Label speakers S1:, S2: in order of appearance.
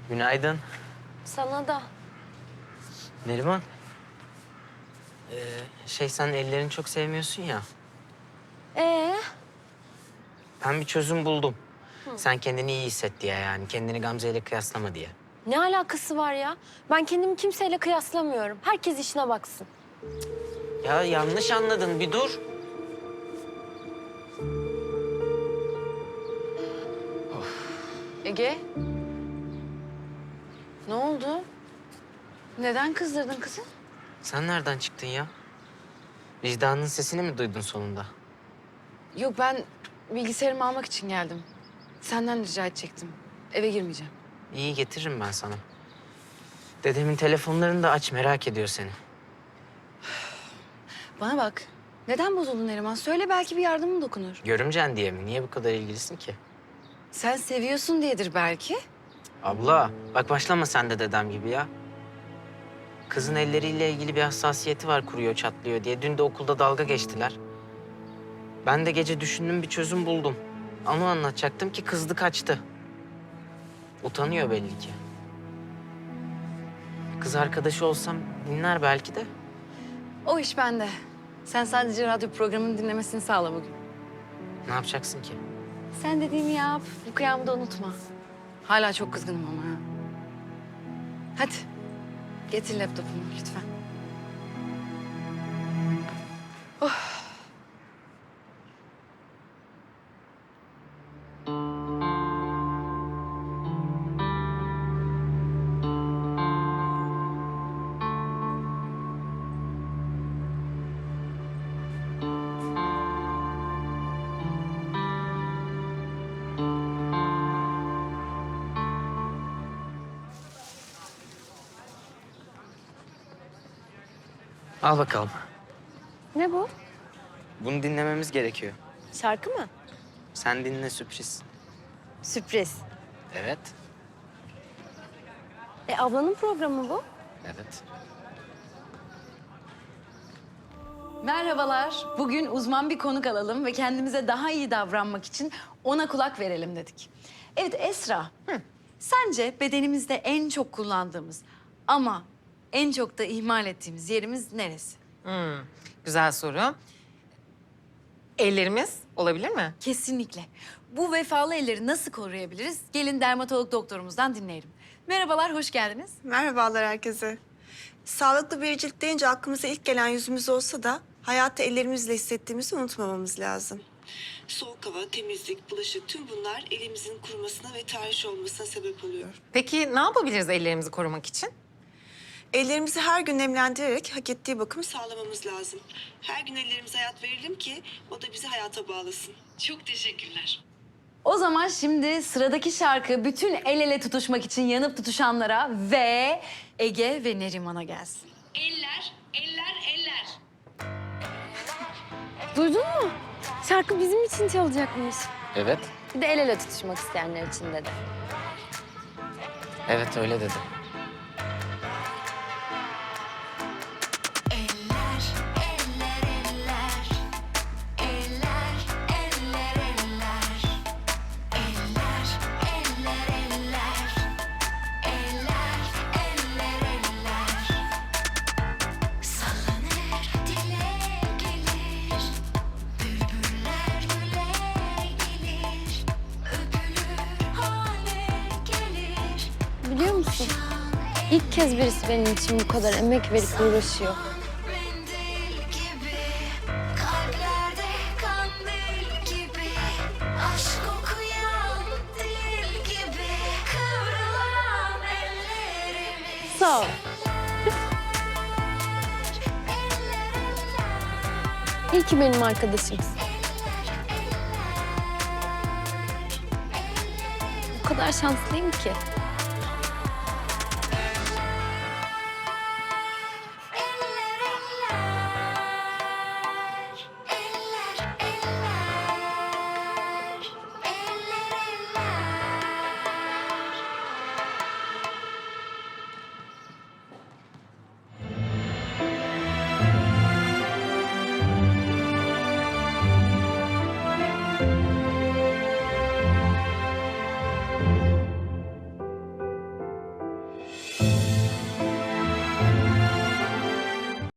S1: Günaydın.
S2: Sana da.
S1: Neriman. Sen ellerini çok sevmiyorsun ya.
S2: Ee,
S1: Ben bir çözüm buldum. Sen kendini iyi hisset diye yani. Kendini Gamze ile kıyaslama diye.
S2: ne alakası var ya? Ben kendimi kimseyle kıyaslamıyorum. Herkes işine baksın.
S1: Ya yanlış anladın, bir dur.
S3: Ege. Ne oldu? Neden kızdırdın kızı?
S1: Sen nereden çıktın ya? Vicdanın sesini mi duydun sonunda?
S3: Yok ben bilgisayarımı almak için geldim. Senden rica edecektim. Eve girmeyeceğim.
S1: İyi, getiririm ben sana. Dedemin telefonlarını da aç, merak ediyor seni.
S3: Bana bak. Neden bozuldun Neriman? Söyle belki bir yardımım dokunur.
S1: Görümcen diye mi? Niye bu kadar ilgilisin ki?
S3: Sen seviyorsun diyedir belki.
S1: Abla, bak başlama sen de dedem gibi ya. Kızın elleriyle ilgili bir hassasiyeti var, kuruyor, çatlıyor diye. Dün de okulda dalga geçtiler. Ben de gece düşündüm, bir çözüm buldum. Onu anlatacaktım ki kızdı kaçtı. Utanıyor belli ki. Kız arkadaşı olsam dinler belki de.
S3: O iş bende. Sen sadece radyo programını dinlemesini sağla bugün.
S1: Ne yapacaksın ki?
S3: Sen dediğimi yap. Bu kıyamı da unutma. Hala çok kızgınım ama ha. Hadi. Getir laptopumu lütfen.
S1: Al bakalım.
S2: Ne bu?
S1: Bunu dinlememiz gerekiyor.
S2: Şarkı mı?
S1: Sen dinle, sürpriz.
S2: Sürpriz.
S1: Evet.
S2: Ablanın programı bu.
S1: Evet.
S3: Merhabalar. Bugün uzman bir konuk alalım ve kendimize daha iyi davranmak için ona kulak verelim dedik. Evet Esra, sence bedenimizde en çok kullandığımız ama en çok da ihmal ettiğimiz yerimiz neresi?
S4: Güzel soru. Ellerimiz olabilir mi?
S3: Kesinlikle. Bu vefalı elleri nasıl koruyabiliriz? Gelin dermatolog doktorumuzdan dinleyelim. Merhabalar, hoş geldiniz.
S5: Merhabalar herkese. Sağlıklı bir cilt deyince aklımıza ilk gelen yüzümüz olsa da hayatı ellerimizle hissettiğimizi unutmamamız lazım. Soğuk hava, temizlik, bulaşık tüm bunlar elimizin kurumasına ve tahriş olmasına sebep oluyor.
S4: Peki ne yapabiliriz ellerimizi korumak için?
S5: Ellerimizi her gün nemlendirerek hak ettiği bakımı sağlamamız lazım. Her gün ellerimize hayat verelim ki o da bizi hayata bağlasın. Çok teşekkürler.
S3: O zaman şimdi sıradaki şarkı bütün el ele tutuşmak için yanıp tutuşanlara ve Ege ve Neriman'a gelsin.
S6: Eller, eller, eller.
S2: Duydun mu? Şarkı bizim için çalacakmış.
S1: Evet.
S2: Bir de el ele tutuşmak isteyenler için dedi.
S1: Evet, öyle dedi.
S6: Eller, eller, eller. Eller, eller, eller. Eller, eller, eller. Eller, eller, eller. Sallanır, dile gelir. Bülbüller güle gelir. Öpülür hale gelir.
S2: Biliyor musun? İlk kez birisi benim için bu kadar emek verip uğraşıyor.
S6: Mendil gibi, kalplerde kandil gibi, aşk okuyan dil gibi, kıvrılan ellerimiz.
S2: Sağ ol. İyi ki benim arkadaşımsın. O kadar şanslıyım ki.